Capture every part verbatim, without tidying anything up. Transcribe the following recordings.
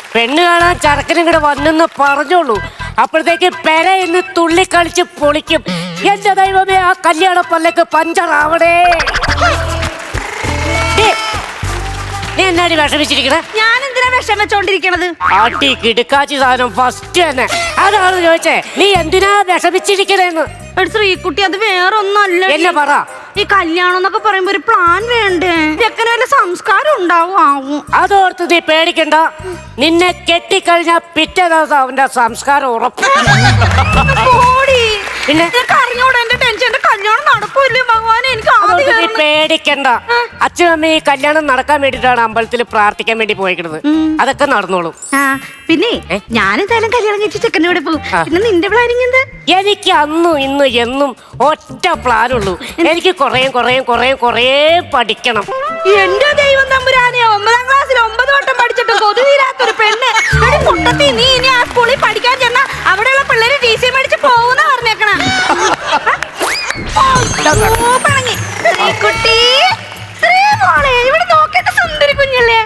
പെണ്ണ് കാണാൻ ചരക്കനും കൂടെ വന്നെന്ന് പറഞ്ഞോളൂ. അപ്പോഴത്തേക്ക് പെര എന്ന് തുള്ളിക്കളിച്ച് പൊളിക്കും. എന്റെ ദൈവമേ, ആ കല്യാണ പല്ലക്ക് പഞ്ചറാവണേ. നീ എന്നാടി വിഷമിച്ചിരിക്കണേ? ഞാൻ എന്തിനാ വിഷം വെച്ചോണ്ടിരിക്കണത്? ആട്ടി കിടുക്കാച്ചി സാധനം ഫസ്റ്റ് തന്നെ. അതാണ് ചോദിച്ചേ, നീ എന്തിനാ വിഷമിച്ചിരിക്കണേന്ന്. ശ്രീകുട്ടി, അത് വേറൊന്നല്ല. എന്നെ പറ. ഈ കല്യാണം എന്നൊക്കെ പറയുമ്പോ ഒരു പ്ലാൻ വേണ്ടേ? ചെക്കന് വല്ല സംസ്കാരം ഉണ്ടാവും ആവും. അതോർത്ത് നീ പേടിക്കണ്ട. നിന്നെ കെട്ടിക്കഴിഞ്ഞാ പിറ്റേ ദിവസം അവന്റെ സംസ്കാരം ഉറപ്പ്. പിന്നെ അറിഞ്ഞോടെ എന്റെ ടെൻഷൻ. എന്റെ കല്യാണം നടക്കൂല്ലേ ഭഗവാനെ? എനിക്ക് നീ പേടിക്കണ്ട. അച്ഛനമ്മ ഈ കല്യാണം നടക്കാൻ വേണ്ടിട്ടാണ് അമ്പലത്തിൽ പ്രാർത്ഥിക്കാൻ വേണ്ടി പോയിക്കുന്നത്. അതൊക്കെ നടന്നോളും. പിന്നെ ഞാനെന്തായാലും കല്യാണം കഴിച്ച് ചെക്കൻ്റെ കൂടെ പോകും. പിന്നെ നിന്റെ പ്ലാനിങ് എന്താ? എനിക്ക് അന്നും ഇന്നും എന്നും ഒറ്റ പ്ലാനുള്ളൂ. എനിക്ക് കുറേ കുറേ കുറേ കുറേ പഠിക്കണം. എന്റെ ദൈവം തമ്പുരാനെ, ഒമ്പതാം ക്ലാസ്സിൽ ഒമ്പത് വട്ടം പഠിച്ചിട്ട് കൊതു തീരാത്തൊരു പെണ്ണ്. മുട്ടത്തി നീ ഇനി ആ സ്കൂളിൽ പഠിക്കാൻ ചെന്നാ അവിടെയുള്ള പിള്ളേര് ടി സി മേടിച്ച് പോകുന്ന പറഞ്ഞേക്കണ. ഇവിടെ നോക്കേണ്ട സുന്ദരി കുഞ്ഞല്ലേ.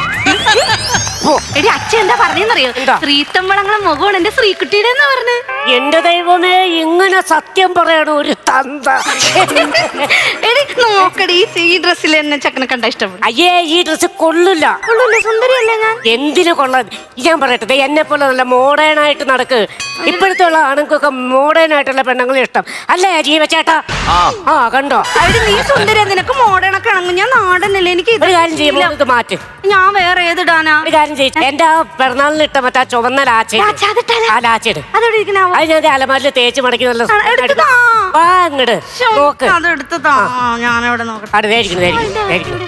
എടി അച്ഛൻ എന്താ പറഞ്ഞറിയോ? ശ്രീത്തമ്പളങ്ങളെ മുഖമാണ് എന്റെ ശ്രീകുട്ടിയുടെ എന്ന് പറഞ്ഞു. എന്റെ ദൈവമേ, ഇങ്ങനെ സത്യം പറയണ ഒരു തന്ത. എടി നോക്കടി, ഈ ഡ്രസ്സിൽ എന്നെ ചക്കനെ കണ്ട ഇഷ്ടപ്പെടും. അയ്യേ, ഈ ഡ്രസ് കൊള്ളില്ല. കൊള്ളൂല്ല, സുന്ദരിയല്ലേ ഞാൻ? എന്തിനു കൊള്ളാൻ? ഞാൻ പറയട്ടെ, എന്നെ പോലെ നല്ല മോഡേൺ ആയിട്ട് നടക്ക്. ഇപ്പോഴത്തെ ഉള്ള ആണുങ്ങൾക്കൊക്കെ മോഡേൺ ആയിട്ടുള്ള പെണ്ണുങ്ങളെ ഇഷ്ടം അല്ലേ ജീവച്ചേട്ടാ? ആ കണ്ടോ, നീ സുന്ദരിയാ, നിനക്ക് മോഡേൺ ഒക്കെ ആണെങ്കിൽ ഞാൻ നാടനല്ലേ. എനിക്ക് ഒരു കാര്യം ചെയ്യുമ്പോൾ ഇത് മാറ്റ്. ഞാൻ വേറെ ഏതിടാനാ? ഒരു കാര്യം ചെയ്യും, എന്റെ ആ പിറന്നാളിന് ഇട്ട മറ്റേ ചുവന്ന ലാച്ച ആ ലാച്ചെട് അത് ഞാൻ അലമാരിൽ തേച്ച് മടക്കി നല്ല അങ്ങട് നോക്ക്. ഞാനവിടെ നോക്കട്ടെ. അവിടെ ധരിക്കുന്നു.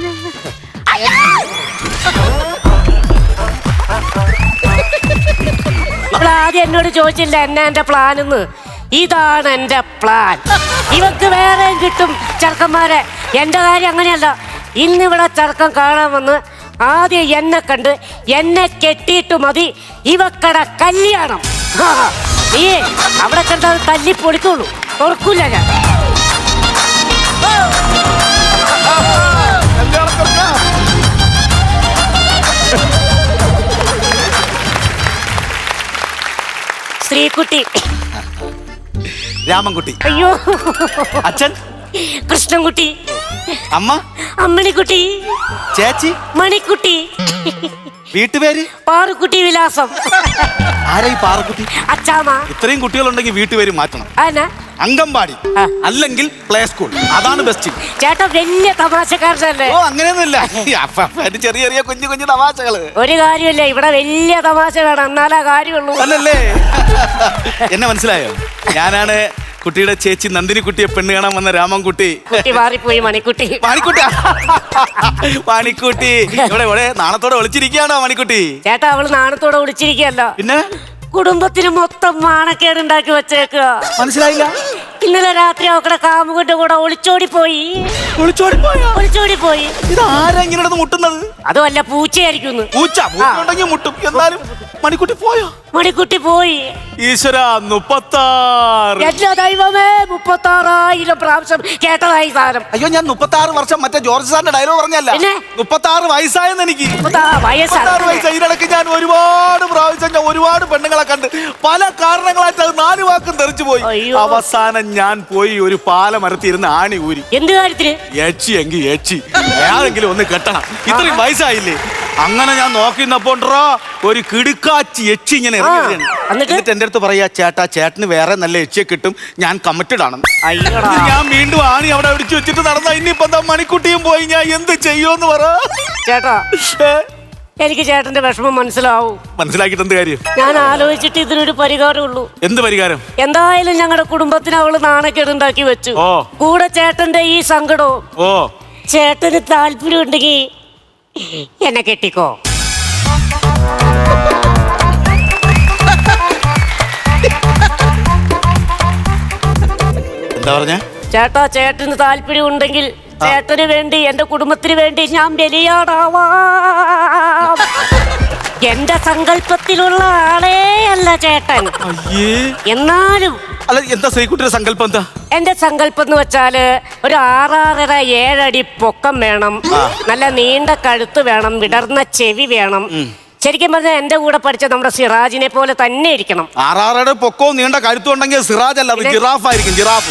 ഇപ്പോൾ ആദ്യം എന്നോട് ചോദിച്ചില്ല എന്നാ എന്റെ പ്ലാൻ എന്ന്. ഇതാണ് എന്റെ പ്ലാൻ. ഇവക്ക് വേറെ കിട്ടും ചെറുക്കന്മാരെ. എന്റെ കാര്യം അങ്ങനെയല്ല. ഇന്നിവിടെ ചെറുക്കം കാണാൻ വന്ന് ആദ്യം എന്നെ കണ്ട് എന്നെ കെട്ടിയിട്ട് മതി ഇവക്കട കല്യാണം. നീ അവിടെ കണ്ടത് തല്ലി പൊളിക്കുള്ളൂ, തുറക്കൂല ഞാൻ. ശ്രീകുട്ടി, രാമൻകുട്ടി, അയ്യോ അച്ഛൻ കൃഷ്ണൻകുട്ടി, അമ്മ അമ്മിണിക്കുട്ടി, ചേച്ചി മണിക്കുട്ടി, വീട്ടുപേര് പാറുക്കുട്ടി വിലാസം. ആരാ ഈ പാറക്കുട്ടി? അച്ചാമ്മ. ഇത്രയും കുട്ടികളുണ്ടെങ്കിൽ വീട്ടുപേര് മാറ്റണം. അംഗൻവാടി അല്ലെങ്കിൽ പ്ലേ സ്കൂൾ, അതാണ് ബെസ്റ്റ്. ചേട്ടാ വലിയ തമാശക്കാരനല്ലേ? ഓ അങ്ങനെയൊന്നുമില്ല, ചെറിയ ചെറിയ കുഞ്ഞു കുഞ്ഞു തമാശകള്. ഒരു കാര്യമില്ല, ഇവിടെ വലിയ തമാശ വേണം, എന്നാലാ കാര്യമുള്ളൂ. അല്ലല്ലേ? എന്നെ മനസ്സിലായോ? ഞാനാണ് കുട്ടിയുടെ ചേച്ചി നന്ദിനി കുട്ടിയെ പെണ്ണ് കാണാൻ വന്ന രാമൻകുട്ടി. കുട്ടി മാറിപ്പോയി, മണിക്കുട്ടി. മണിക്കുട്ടി മണിക്കുട്ടി ഇവിടെ ഇവിടെ നാണത്തോടെ ഒളിച്ചിരിക്കുകയാണോ മണിക്കുട്ടി? ചേട്ടാ, അവള് നാണത്തോടെ ഒളിച്ചിരിക്കുകയല്ല, പിന്നെ കുടുംബത്തിന് മൊത്തം മാണക്കേടുണ്ടാക്കി വെച്ചേക്കുക. മനസ്സിലായില്ല? ഇന്നലെ രാത്രി അവക്കടെ കാമുകന്റെ കൂടെ ഒളിച്ചോടി പോയി. ഒളിച്ചോടി പോയോ? ഒളിച്ചോടി പോയി. ഇത് ആരാ ഇങ്ങനെ മുട്ടുന്നത്? അതുമല്ല, പൂച്ചയായിരിക്കും. പൂച്ച ഉണ്ടെങ്കിൽ മുട്ടും. എന്നാലും മണിക്കുട്ടി പോയോ? മണിക്കുട്ടി പോയി. ഈശ്വര, മുപ്പത്താറ്. എല്ലാ ദൈവമേ, മുപ്പത്താറായിരം പ്രാവശ്യം കേട്ടതായി സാധനം. അയ്യോ, ഞാൻ മുപ്പത്താറ് വർഷം മറ്റേ ജോർജ് സാറിന്റെ ഡയലോഗ് പറഞ്ഞല്ല, മുപ്പത്താറ് വയസ്സായെന്ന് എനിക്ക്. വയസ്സായി. ഇതിനിടയ്ക്ക് ഞാൻ ഒരുപാട് പ്രാവശ്യം ഞാൻ ഒരുപാട് പെണ്ണുങ്ങളെ കണ്ട് പല കാരണങ്ങളായിട്ട് അത് നാല് വാക്കും തെറിച്ചു പോയി. അവസാനം ഞാൻ പോയി ഒരു പാലമരത്തിരുന്ന് ആണി ഊരി. എന്ത് കാര്യത്തിന്? ഏച്ചി എങ്കിൽ ഏച്ചി ഏതെങ്കിലും ഒന്ന് കെട്ടണം, ഇത്രയും വയസ്സായില്ലേ. അങ്ങനെ ഞാൻ നോക്കിന്നപ്പോണ്ടോ ഒരു കിടുക്കാച്ചി എച്ചി ഇങ്ങനെ ഇറങ്ങി. എന്നിട്ട് എന്റെ അടുത്ത് പറയാ, ചേട്ടാ ചേട്ടന് വേറെ നല്ല എച്ചിയെ കിട്ടും, ഞാൻ കമ്മിറ്റഡ് ആണെന്ന്. ഞാൻ വീണ്ടും ആണി അവിടെ അടിച്ചു വെച്ചിട്ട് നടന്ന. ഇനിയിപ്പോ എന്താ, മണിക്കുട്ടിയും പോയി, ഞാൻ എന്ത് ചെയ്യുമെന്ന് പറ. ചേട്ടാ, എനിക്ക് ചേട്ടന്റെ വിഷമം മനസ്സിലാവും. മനസ്സിലാക്കിട്ട് എന്ത് കാര്യം? ഞാൻ ആലോചിച്ചിട്ട് ഇതിനൊരു പരിഹാരമുള്ളൂ. എന്ത് പരിഹാരം? എന്തായാലും ഞങ്ങളുടെ കുടുംബത്തിന് അവള് നാണക്കേടുണ്ടാക്കി വെച്ചു. കൂടെ ചേട്ടന്റെ ഈ സങ്കടവും. ഓ, ചേട്ടന് താല്പര്യം ഉണ്ടെങ്കിൽ എന്നെ കെട്ടിക്കോ. എന്താ പറഞ്ഞ? ചേട്ടാ, ചേട്ടന് താല്പര്യം ഉണ്ടെങ്കിൽ ചേട്ടന് വേണ്ടി, എന്റെ കുടുംബത്തിന് വേണ്ടി ഞാൻ ബലിയാടാവാം. എന്റെ സങ്കല്പത്തിലുള്ള ആളേ അല്ല ചേട്ടൻ. എന്നാലും അല്ല, എന്താ ശ്രീകുട്ടിയുടെ സങ്കല്പം? എന്താ എന്റെ സങ്കല്പം എന്ന് വെച്ചാല് ഒരു ആറാറര ഏഴടി പൊക്കം വേണം, നല്ല നീണ്ട കഴുത്ത് വേണം, വിടർന്ന ചെവി വേണം, ശരിക്കും പറഞ്ഞാൽ എന്റെ കൂടെ പഠിച്ച നമ്മുടെ സിറാജിനെ പോലെ തന്നെ ഇരിക്കണം. ആറാറയുടെ പൊക്കവും നീണ്ട കഴുത്തുണ്ടെങ്കിൽ സിറാജ് അല്ല, അത് ജിറാഫ് ആയിരിക്കും. ജിറാഫ്.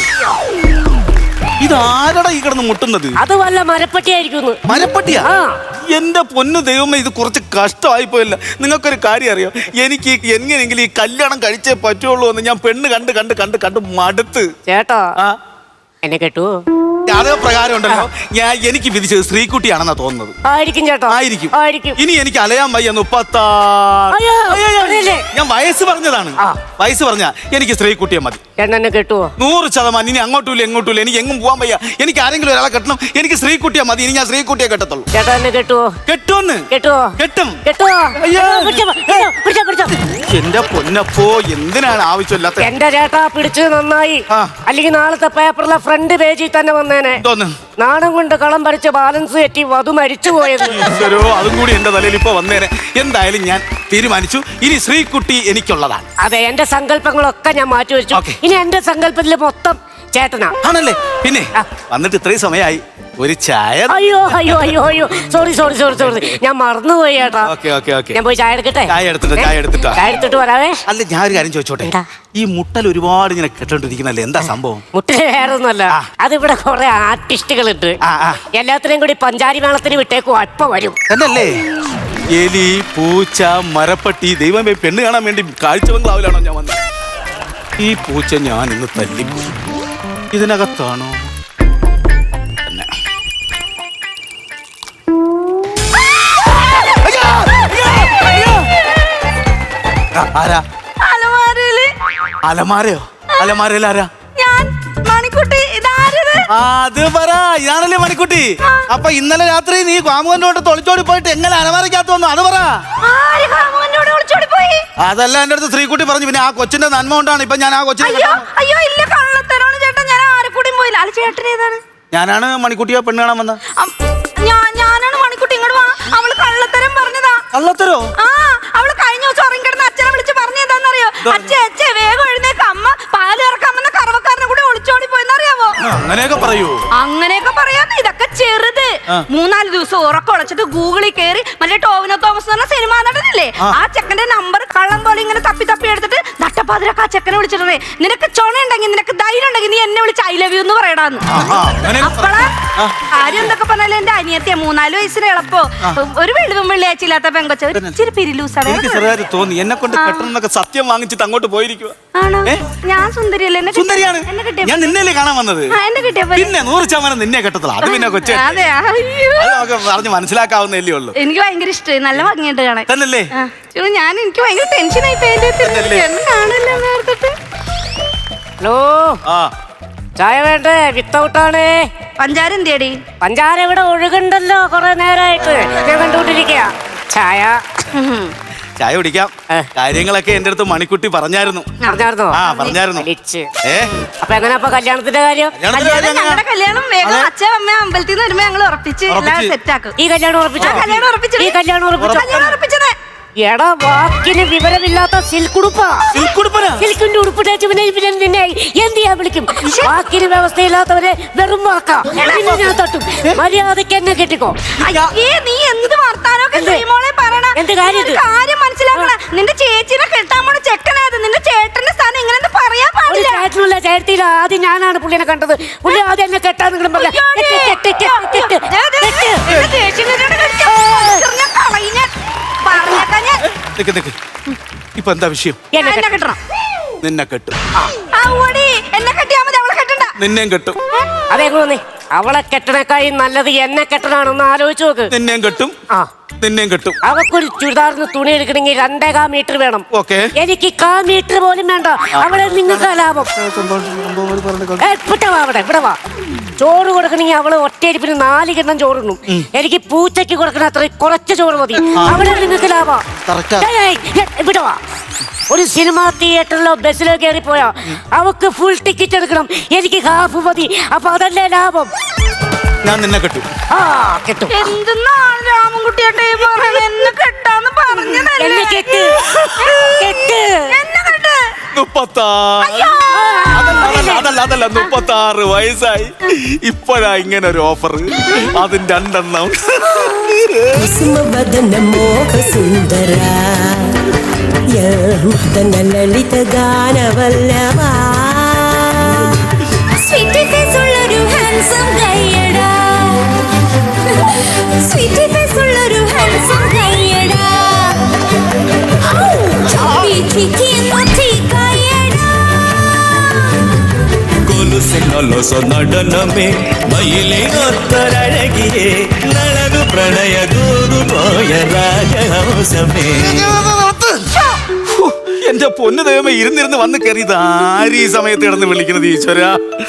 ഇതാരടാ ഈ കിടന്ന് മുട്ടുന്നത്? അത് വല്ല മരപ്പട്ടിയായിരിക്കും. മരപ്പട്ടിയാ? എന്റെ പൊന്നു ദൈവമേ, ഇത് കുറച്ച് കഷ്ടമായി പോയല്ല. നിങ്ങൾക്കൊരു കാര്യം അറിയോ, എനിക്ക് എങ്ങനെയെങ്കിലും ഈ കല്യാണം കഴിച്ചേ പറ്റുള്ളൂ എന്ന് ഞാൻ പെണ്ണ് കണ്ട് കണ്ട് കണ്ട് കണ്ട് മടുത്ത്. ചേട്ടാ ആ എന്നെ കേട്ടു. അതേ പ്രകാരം ഉണ്ടല്ലോ, ഞാൻ എനിക്ക് വിധിച്ചത് ശ്രീകുട്ടിയാണെന്നാ തോന്നുന്നത്. ആയിരിക്കും ചേട്ടാ, ആയിരിക്കും. ആയിരിക്കും. ഇനി എനിക്ക് അലയാൻ വയ്യ. മുപ്പത്താറ്. ഞാൻ വയസ്സ് പറഞ്ഞതാണ്. വയസ്സ് പറഞ്ഞ എനിക്ക് ശ്രീകുട്ടിയെ മതി. എന്നെ കേട്ടുവോ? നൂറ് ശതമാനം. ഇനി അങ്ങോട്ടും ഇല്ല എങ്ങോട്ടും ഇല്ല, എനിക്ക് എങ്ങും പോകാൻ വയ്യ. എനിക്ക് ആരെങ്കിലും ഒരാളെ കെട്ടണം. എനിക്ക് ശ്രീകുട്ടിയെ മതി. ഇനി ഞാൻ ശ്രീകുട്ടിയെ കെട്ടത്തുള്ളൂ. ചേട്ടാ എന്നെ കേട്ടുവോ? കെട്ടുമെന്ന്. കേട്ടുവോ? കെട്ടും. കേട്ടുവോ? എന്റെ പൊന്നപ്പോ, എന്തിനാണ് ആവശ്യമില്ലാത്ത? എന്റെ ചേട്ടാ പിടിച്ചത് നന്നായി. അല്ലെങ്കിൽ നാളത്തെ പേപ്പറിലെ ഫ്രണ്ട് പേജിൽ തന്നെ വന്നേനെ. നാണം കൊണ്ട് കളം പറിച്ച് ബാലൻസ് തെറ്റി വധു മരിച്ചു പോയത്. അതും കൂടി എന്റെ തലയിൽ ഇപ്പൊ വന്നേനെ. എന്തായാലും ഞാൻ തീരുമാനിച്ചു, ഇനി ശ്രീകുട്ടി എനിക്കുള്ളതാണ്. അതെ, എന്റെ സങ്കല്പങ്ങളൊക്കെ ഞാൻ മാറ്റി വെച്ചു. ഇനി എന്റെ സങ്കല്പത്തില് മൊത്തം ചേട്ടനാ. ആണല്ലേ? പിന്നെ വന്നിട്ട് ഇത്രയും സമയമായി, ഒരു ചായ. അയ്യോ അയ്യോ അയ്യോ അയ്യോ സോറി സോറി സോറി സോറി ഞാൻ മറന്നുപോയി ചേട്ടാ. ഓക്കെ ഓക്കെ ഓക്കെ ഞാൻ പോയി ചായ എടുക്കട്ടെ. ചായ എടുത്തിട്ട് ചായ എടുത്തിട്ട് ചായ എടുത്തിട്ട് വരാവേ. അല്ല, ഞാൻ ഒരു കാര്യം ചോദിച്ചോട്ടെ, ഈ മുട്ടൽ ഒരുപാട് ഇങ്ങനെ കെട്ടോണ്ടിരിക്കുന്നല്ലേ, എന്താ സംഭവം? മുട്ടല് വേറെ ഒന്നുമല്ല, അതിവിടെ കുറെ ആർട്ടിസ്റ്റുകളുണ്ട്. എല്ലാത്തിനെയും കൂടി പഞ്ചാരി മേളത്തിന് വിട്ടേക്കും, അപ്പ വരും. എന്നല്ലേ? എലി, പൂച്ച, മരപ്പട്ടി, ദൈവമേ, പെണ്ണ് കാണാൻ വേണ്ടി കാഴ്ച ബംഗ്ലാവിലാണോ ഞാൻ വന്നത്? ഈ പൂച്ച ഞാൻ ഇന്ന് തല്ലിപ്പോയി. ഇതിനകത്താണോ? ആരാ? അലമാരയോ? അലമാരയിൽ ആരാ? മണിക്കുട്ടി. അത് പറ, ഇതാണല്ലേ മണിക്കുട്ടി? അപ്പൊ ഇന്നലെ രാത്രി നീ കാമുകനോട്ട് തൊളിച്ചോടി പോയിട്ട് എങ്ങനെ അലമാരക്കകത്ത് വന്നു? അത് പറ. അതല്ല എന്റെ അടുത്ത് ശ്രീകുട്ടി പറഞ്ഞു. പിന്നെ ആ കൊച്ചിന്റെ നന്മ കൊണ്ടാണ് ഇപ്പൊ ഞാൻ ആ കൊച്ചിനെ. ഞാനാണ് മണിക്കുട്ടിയെ പെണ്ണ് കാണാൻ വന്നത്. ഞാനാണ് മണിക്കുട്ടി. ഇങ്ങോട്ട് വാ. അവള് കള്ളത്തരം പറഞ്ഞതാ. കള്ളത്തരോ? ആ, അവള് കഴിഞ്ഞ ദിവസം ഉറങ്ങിക്കിടന്ന് അച്ഛനെ വിളിച്ച് പറഞ്ഞതാന്നറിയോ? അച്ഛേ അച്ഛേ വേഗം എഴുന്നേക്ക്, അമ്മ പാല് ഇറക്കാമെന്ന കറവക്കാരനെ കൂടെ ഒളിച്ചോടി പോയെന്നറിയാവോ? അങ്ങനെയൊക്കെ പറയൂ. അങ്ങനെയൊക്കെ പറയാന്ന്. ഇതൊക്കെ ചെറുത്. മൂന്നാല് ദിവസം ഉറക്കം ഉളച്ചിട്ട് ഗൂഗിളിൽ കയറി മറ്റേ ടോവിനോ തോമസ് എന്ന് പറഞ്ഞ സിനിമ നടനില്ലേ, ആ ചെക്കന്റെ നമ്പർ കള്ളം പോലെ ഇങ്ങനെ തപ്പി തപ്പി എടുത്തിട്ട് നട്ടപ്പാതിരക്ക് ആ ചെക്കനെ വിളിച്ചിട്ടേ, നിനക്ക് ചുണയുണ്ടെങ്കിൽ നിനക്ക് ധൈര്യം ഉണ്ടെങ്കിൽ നീ എന്നെ വിളിച്ച് ഐ ലവ് യു എന്ന് പറയടാന്ന്. അപ്പളാ കാര്യം എന്തൊക്കെ പറഞ്ഞാലും എന്റെ അനിയത്തിയ മൂന്നാല് വയസ്സിന് എളുപ്പോ ഒരു വെളിവും വെള്ളിയാഴ്ച ഇല്ലാത്ത പെങ്കൊച്ച ഇച്ചിരി പിരിലൂസാണ്. എനിക്ക് ചെറുതായിട്ട് തോന്നി എന്നെ കൊണ്ട് പെട്ടെന്നൊക്കെ സത്യം വാങ്ങിച്ചിട്ട് അങ്ങോട്ട് പോയിരിക്കുക. ആണോ? ഞാൻ സുന്ദരിയല്ലേ? സുന്ദരിയാണ്. ഞാൻ നിന്നല്ലേ കാണാൻ വന്നത്. എന്നെ കിട്ടിയ പിന്നെ നൂറ് ശതമാനം നിന്നെ കെട്ടത്തില്ല. അത് പിന്നെ കൊച്ചെ പറഞ്ഞ് മനസ്സിലാക്കാവുന്നല്ലേ ഉള്ളൂ. എനിക്ക് ഭയങ്കര ഇഷ്ടമായി. നല്ല ഭംഗിയുണ്ട് കാണാൻ. തന്നല്ലേ? ഞാൻ എനിക്ക് ഭയങ്കര ടെൻഷനായി. ഹലോ, ചായ വേണ്ടേ? വിത്തൗട്ടാണ്. പഞ്ചാര എന്തിയടി? പഞ്ചാര ഇവിടെ ഒഴുകുണ്ടല്ലോ കുറെ നേരമായിട്ട്, ഞാൻ കണ്ടുകൊണ്ടിരിക്കുക. ചായ ചായ കുടിക്കാം. കാര്യങ്ങളൊക്കെ എന്റെ അടുത്ത് മണിക്കുട്ടി പറഞ്ഞായിരുന്നു. പറഞ്ഞായിരുന്നോ? ആ പറഞ്ഞായിരുന്നു. അപ്പൊ എങ്ങനെ അപ്പൊ കല്യാണത്തിന്റെ കാര്യം? ഞങ്ങളുടെ കല്യാണം വേഗം അച്ഛൻ അമ്മ അമ്പലത്തിൽ നിന്ന് വരുമ്പോ ഞങ്ങൾ ഉറപ്പിച്ച് സെറ്റ് ആക്കും. ഈ കല്യാണം ഉറപ്പിച്ചു? കല്യാണം ഉറപ്പിച്ചു. ഈ കല്യാണം ഉറപ്പിച്ചു. കല്യാണം ഉറപ്പിച്ചത് എടാ വാക്കിന് വിവരമില്ലാത്ത സിൽക്കുടുപ്പാ. സിൽക്കിന്റെ ഉടുപ്പ് തേച്ച് പിന്നെ പിന്നെ നിന്നെ എന്ത് ചെയ്യാൻ വിളിക്കും? വാക്കിന് വ്യവസ്ഥയില്ലാത്തവരെ വെറും വാക്കാ. പിന്നെ ഞാൻ തട്ടും. മര്യാദക്ക് എന്നെ കെട്ടിക്കോ. നീ എന്ത് വർത്താനൊക്കെ പറയണ? എന്ത് കാര്യം? കാര്യം മനസ്സിലാക്കണ. നിന്റെ ചേച്ചിനെ കെട്ടാൻ പോണ ചെക്കനായത്. നിന്റെ ചേട്ടന്റെ സ്ഥാനം ഇങ്ങനെ പറയാൻ പാടില്ല. ചേട്ടനുള്ള ചേട്ടത്തിയില്ല. ആദ്യം ഞാനാണ് പുള്ളിനെ കണ്ടത്. പുള്ളി ആദ്യം എന്നെ കെട്ടാന്ന് പറഞ്ഞ ഇപ്പൊ എന്താ വിഷയം? എന്നെ കെട്ടണം. നിന്നെ കെട്ടും. എന്നെ കെട്ടിയാ മതി, അവളെ കെട്ടണ്ട. നിന്നെയും കെട്ടും. അതെങ്ങനെ? അവളെ കെട്ടണേക്കായി നല്ലത് എന്നെ കെട്ടണാണെന്ന് ആലോചിച്ച് നോക്ക്. നിന്നെയും കെട്ടും. ആ നിന്നെയും കെട്ടും. അവക്കൊരു ചുരിദാറിന് തുണി എടുക്കണമെങ്കിൽ രണ്ടേ കാ മീറ്റർ വേണം. ഓക്കെ. എനിക്ക് കാ മീറ്റർ പോലും വേണ്ട. അവളെ നിങ്ങൾക്ക് ലാഭം. അവിടെ ഇവിടെ വാ. ചോറ് കൊടുക്കണമെങ്കിൽ അവള് ഒറ്റയരിപ്പിന് നാല് കിണ്ണം ചോറിടും. എനിക്ക് പൂച്ചയ്ക്ക് കൊടുക്കണ അത്ര കുറച്ച് ചോറ് മതി. അവിടെ നിങ്ങൾക്ക് ലാഭം. ഇവിടെ വാ. ഒരു സിനിമ തിയേറ്ററിലോ ബസ്സിലോ കയറിപ്പോയാ അവക്ക് ഫുൾ ടിക്കറ്റ് എടുക്കണം. എനിക്ക് ഹാഫ് മതി. അപ്പൊ അതല്ലേ ലാഭം. ഞാൻ നിന്നെ കെട്ടും. ആ കെട്ടും. എന്തെന്നാണ് രാമൻകുട്ടിയേട്ടേ പറഞ്ഞത്? എന്നെ കെട്ടാന്ന് പറഞ്ഞതല്ലേ? എന്നെ കെട്ട് കെട്ട് എന്നെ കെട്ട്. മുപ്പത്താറ്. അതല്ല അതല്ല മുപ്പത്താറ് വയസ്സായി. ഇപ്പോഴാ ഇങ്ങനെ ഒരു ഓഫർ. അതും രണ്ടെണ്ണം. ಕುಸುಮವದನ ಮೋಹ ಸುಂದರ ಮದನ ಲಲಿತ ಗಾನವಲ್ಲವ സ്വീറ്റ് ഫേസ് ഉള്ളൊരു ഹാൻസം ഗൈയടാ സ്വീറ്റ് ഫേസ് ഉള്ളൊരു ഹാൻസം ഗൈയടാ ചപ്പി ചിക്കി നോട്ടി ഗൈയടാ കൊലുസെ നൊലൊസ നടനമേ മയിലിനൊത്തൊരഴകിയേ നളനു പ്രണയ ദൂതു പോയ രാജഹംസമേ. എന്റെ പൊന്നു ദൈവമേ, ഇരുന്നിരുന്ന് വന്ന് കയറിയത് ആര് ഈ സമയത്ത് കിടന്ന് വിളിക്കുന്നത് ഈശ്വര?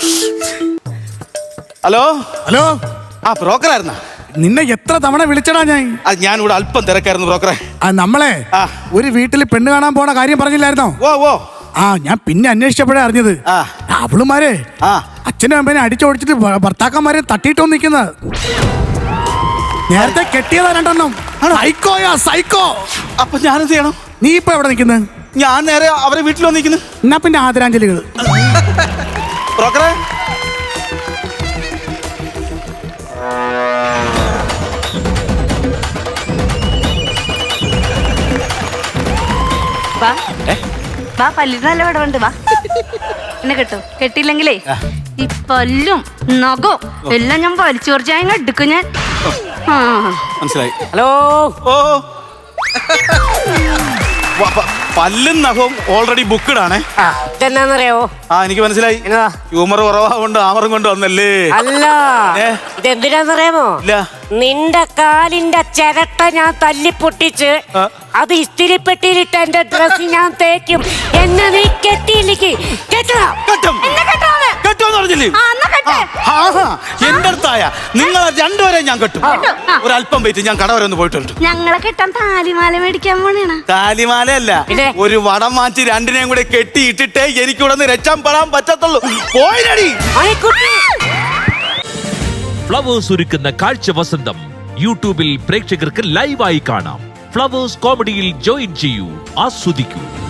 ഹലോ ഹലോ, ആ ബ്രോക്കറായിരുന്ന? നിന്നെ എത്ര തവണ വിളിച്ചടാ ഞാൻ. അത് ഞാനിവിടെ അല്പം തിരക്കായിരുന്നു ബ്രോക്കറെ. ആ നമ്മളെ ആ. ഒരു വീട്ടിൽ പെണ്ണ് കാണാൻ പോണ കാര്യം പറഞ്ഞില്ലായിരുന്നോ? ഓ ഓ ആ ഞാൻ പിന്നെ അന്വേഷിച്ചപ്പോഴേ അറിഞ്ഞത് ആ. അവളുമാരെ ആ അച്ഛനും അമ്മേനെ അടിച്ചോടിച്ചിട്ട് ഭ- ഭർത്താക്കന്മാരെ തട്ടിയിട്ടോ നിക്കുന്നത്. നേരത്തെ കെട്ടിയതാ രണ്ടെണ്ണം. സൈക്കോയാ സൈക്കോ. അപ്പൊ ഞാനെന്ത് ചെയ്യണം? നീ ഇപ്പൊ എവിടെ നിൽക്കുന്നത്? ഞാൻ നേരെ അവരെ വീട്ടിൽ വന്നിരിക്കുന്നു. എന്നാ പിന്നെ ആദരാഞ്ജലികൾ. ബ്രോക്കറെ, വാ വാ, പല്ലിന് നല്ല വിടവുണ്ട്, വാ. എന്നെ കെട്ടോ. കെട്ടിയില്ലെങ്കിലേ ഈ പല്ലും നഖവും എല്ലാം ഞാൻ വലിച്ചു കുറച്ചാൽ എടുക്കും ഞാൻ. ആ മനസ്സിലായി. ഹലോ. ഓ വ- പ- പല്ലും നഖവും ഓൾറെഡി ബുക്ക്ഡ് ആണേ. ആ ഇതെന്നാന്നറിയോ? ആ എനിക്ക് മനസ്സിലായി. എന്നതാ? ഹ്യൂമർ കുറവാകൊണ്ട് ആമറും കൊണ്ട് വന്നല്ലേ? അല്ല, ഏ? ഇതെന്തിനാന്നറിയാമോ? ഇല്ല. നിന്റെ കാലിന്റെ ചിരട്ട ഞാൻ തല്ലിപ്പൊട്ടിച്ച് ആ. അത് ഇസ്തിരിപ്പെട്ടിയിലിട്ട് എന്റെ ഡ്രസ് ഞാൻ തേക്കും. എന്നെ നീ കെട്ടിയില്ലെങ്കിൽ കെട്ടണം. കെട്ടും. എന്നെ കെട്ടോന്ന്. കെട്ടുമെന്ന് പറഞ്ഞില്ലേ? ആ, എന്നാ കെട്ട്. ആഹാ, എന്റെ അടുത്തായ നിങ്ങളെ രണ്ടുപേരെ ഞാൻ കെട്ടും. കെട്ടും. ആ. ഒരല്പം വെയിറ്റ്, ഞാൻ കട വരെ ഒന്ന് പോയിട്ട് വരട്ടെ. ഞങ്ങളെ കെട്ടാൻ താലിമാല മേടിക്കാൻ പോണേണ. താലിമാലയല്ല, പിന്നെ? ഒരു വടം മാറ്റി രണ്ടിനെയും കൂടെ കെട്ടിയിട്ടിട്ടേ എനിക്ക് ഇവിടെ നിന്ന് രക്ഷപ്പെടാൻ പറ്റത്തുള്ളൂ. പോയിരടി. മണിക്കുട്ടി. ഫ്ലവേഴ്സ് ഒരുക്കുന്ന കാഴ്ച വസന്തം യൂട്യൂബിൽ പ്രേക്ഷകർക്ക് ലൈവായി കാണാം. ഫ്ലവേഴ്സ് കോമഡിയിൽ ജോയിൻ ചെയ്യൂ, ആസ്വദിക്കൂ.